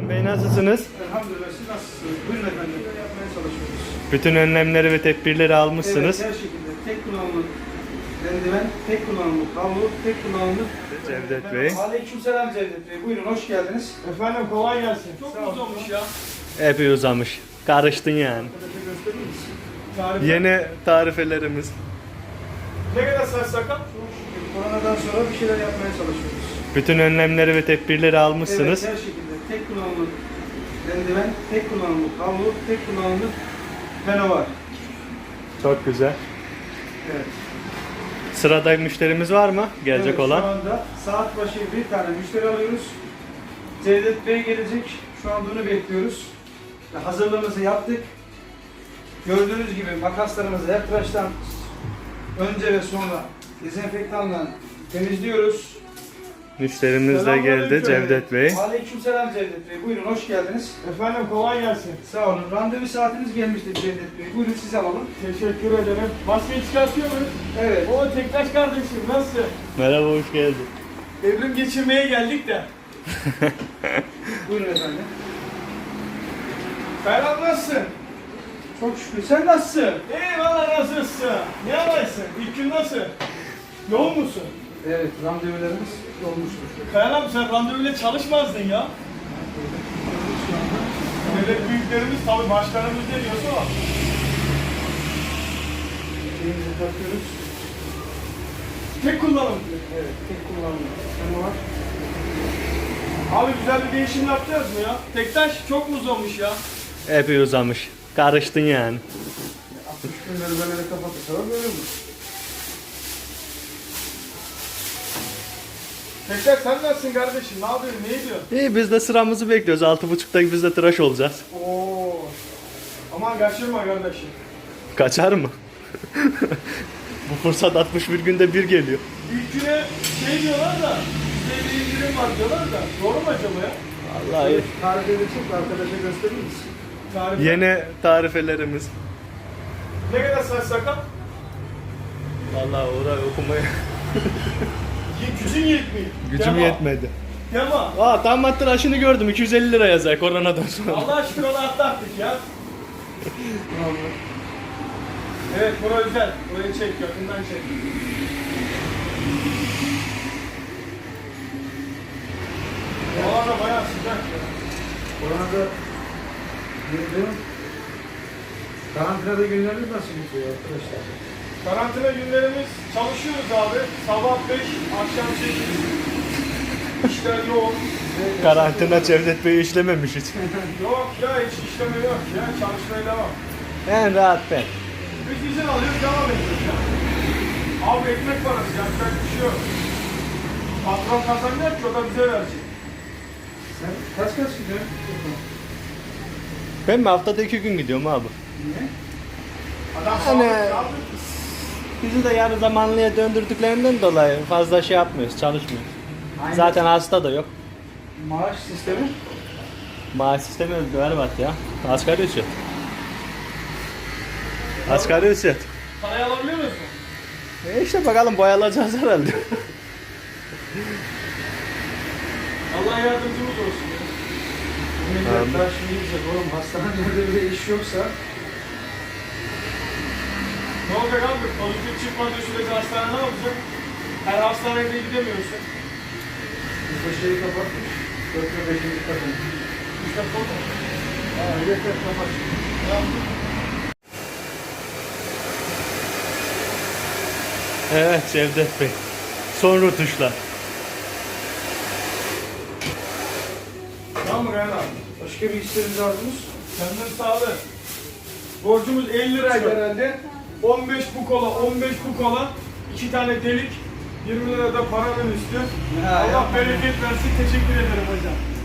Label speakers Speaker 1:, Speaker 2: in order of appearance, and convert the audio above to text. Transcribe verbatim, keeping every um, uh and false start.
Speaker 1: Bey nasılsınız?
Speaker 2: Elhamdülillah, siz nasılsınız? Buyurun efendim, yapmaya çalışıyoruz.
Speaker 1: Bütün önlemleri ve tedbirleri almışsınız.
Speaker 2: Evet, her şekilde tek kullanımlık eldiven, tek kullanımlık havlu, tek kullanımlık...
Speaker 1: Cevdet Bey.
Speaker 2: Aleykümselam Cevdet Bey, buyurun hoş geldiniz.
Speaker 3: Efendim kolay gelsin. Çok mu olmuş ya?
Speaker 1: Epey uzamış. Karıştın yani.
Speaker 2: Arkadaşa gösterir misin?
Speaker 3: Tarife.
Speaker 1: Yeni tarifelerimiz.
Speaker 3: Ne kadar saç sakal?
Speaker 2: Koronadan sonra bir şeyler yapmaya çalışıyoruz.
Speaker 1: Bütün önlemleri ve tedbirleri almışsınız.
Speaker 2: Evet, her şekilde tek kullanımlık eldiven, tek kullanımlık havlu, tek kullanımlık peno var.
Speaker 1: Çok güzel.
Speaker 2: Evet.
Speaker 1: Sırada müşterimiz var mı? Gelecek
Speaker 2: Evet,
Speaker 1: olan.
Speaker 2: Şu anda saat başı bir tane müşteri alıyoruz. Cevdet Bey gelecek. Şu anda onu bekliyoruz. Ve hazırlığımızı yaptık. Gördüğünüz gibi makaslarımızı her tıraştan önce ve sonra dezenfektanla temizliyoruz.
Speaker 1: Müşterimiz de geldi, Cevdet Bey.
Speaker 2: Aleykümselam Cevdet Bey. Buyurun hoş geldiniz.
Speaker 3: Efendim kolay gelsin.
Speaker 2: Sağ olun. Randevu saatiniz gelmişti Cevdet Bey. Buyurun sizi alalım.
Speaker 3: Teşekkür ederim. Maskeyi çıkartıyor muyuz?
Speaker 2: Evet.
Speaker 3: O Tektaş kardeşim nasılsın?
Speaker 1: Merhaba, hoş geldin.
Speaker 3: Evrim geçirmeye geldik de.
Speaker 2: Buyurun efendim.
Speaker 3: Ferhat nasılsın?
Speaker 2: Çok şükür. Sen nasılsın?
Speaker 3: Eyvallah nasılsın? Ne yaparsın? İlk gün nasıl? Yoğun musun?
Speaker 2: Evet. Randevularımız olmuştur.
Speaker 3: Kayan abi sen randevuyla çalışmazdın ya.
Speaker 2: Şu anda.
Speaker 3: Devlet büyüklerimiz tabii başkanımız ne diyorsa o.
Speaker 2: Şeyimizi takıyoruz.
Speaker 3: Tek kullanım.
Speaker 2: Evet. Tek kullanımlı. Peno var.
Speaker 3: Abi güzel bir değişim yapacağız mı ya? Tektaş çok mu uzamış ya?
Speaker 1: Epey uzamış. Karıştın yani.
Speaker 2: altmış günleri böyle kapatırsa böyle olur.
Speaker 3: Tektaş sen nasılsın kardeşim? Ne yapıyorsun? Ne ediyorsun?
Speaker 1: İyi, biz de sıramızı bekliyoruz. Altı buçukta biz de tıraş olacağız.
Speaker 3: Oo. Aman kaçırma kardeşim.
Speaker 1: Kaçar mı? Bu fırsat altmış bir günde bir geliyor.
Speaker 3: İlk güne şey diyorlar da, size bir indirim var diyorlar da, doğru mu acaba ya?
Speaker 1: Vallahi
Speaker 2: Tarif edecek arkadaşa gösterir misin?
Speaker 3: Tarif.
Speaker 1: yeni tarifelerimiz.
Speaker 3: Ne kadar saç sakal?
Speaker 1: Vallahi orayı okumaya
Speaker 3: Ye- Gücün yetmiyor.
Speaker 1: gücüm
Speaker 3: Dema.
Speaker 1: yetmedi.
Speaker 3: Dema.
Speaker 1: Aa, tam tıraşını gördüm. iki yüz elli lira yazar koronadan sonra.
Speaker 3: Allah şükür onu atlattık ya. Evet, bura güzel. Burayı çek, yakından çek. Hava da bayağı sıcak ya.
Speaker 2: Koronada girdim. Karantinada günleriniz nasıl gidiyor arkadaşlar?
Speaker 3: Karantina günlerimiz çalışıyoruz abi. Sabah beş, akşam sekiz. İşler yoğun.
Speaker 1: Karantina Cevdet Bey'i işlememiş hiç.
Speaker 3: Yok ya, hiç işleme yok ya. Çalışmaya devam.
Speaker 1: En rahat ben.
Speaker 3: Biz izin alıyoruz, devam ediyoruz ya. Abi ekmek parası, yapacak bir şey yok. Patron kazanacak ki o da bize verecek.
Speaker 2: Sen kaç kaç gidiyorsun?
Speaker 1: Ben mi haftada iki gün gidiyorum abi.
Speaker 2: Niye?
Speaker 3: Adam
Speaker 1: Hani-
Speaker 3: sağlıklı abi.
Speaker 1: Bizi de yarı zamanlıya döndürdüklerinden dolayı fazla şey yapmıyoruz, çalışmıyoruz.
Speaker 2: Aynı
Speaker 1: Zaten hasta da yok.
Speaker 2: maaş sistemi.
Speaker 1: Maaş sistemi berbat ya. Asgari ücret. Asgari ücret.
Speaker 3: Parayı alabiliyor musun?
Speaker 1: E işte bakalım, boyalacağız herhalde.
Speaker 3: Allah yardımcımız olsun ya.
Speaker 2: Millet daha şimdi diyecek oğlum hastanelerde bile iş yoksa
Speaker 3: Ne olacak abi? Pozitif çıkmadığı sürece hastane ne olacak? Her hastaneye de gidemiyorsun.
Speaker 2: biz de şeyi kapatmış. Dört ve beşinci kadın.
Speaker 3: İşte konu.
Speaker 2: Aa yeter kapat.
Speaker 1: Evet Cevdet Bey. Son rutuşlar.
Speaker 3: Tamam mı Reyhan abi?
Speaker 2: Başka bir isteğiniz arzunuz?
Speaker 3: Senden sağlık. Borcumuz elli liraydı herhalde. on beş bu kola, on beş bu kola. iki tane delik. yirmi lira da paranın üstü.
Speaker 2: Ha,
Speaker 3: Allah
Speaker 2: yapma.
Speaker 3: bereket versin. Teşekkür ederim hocam.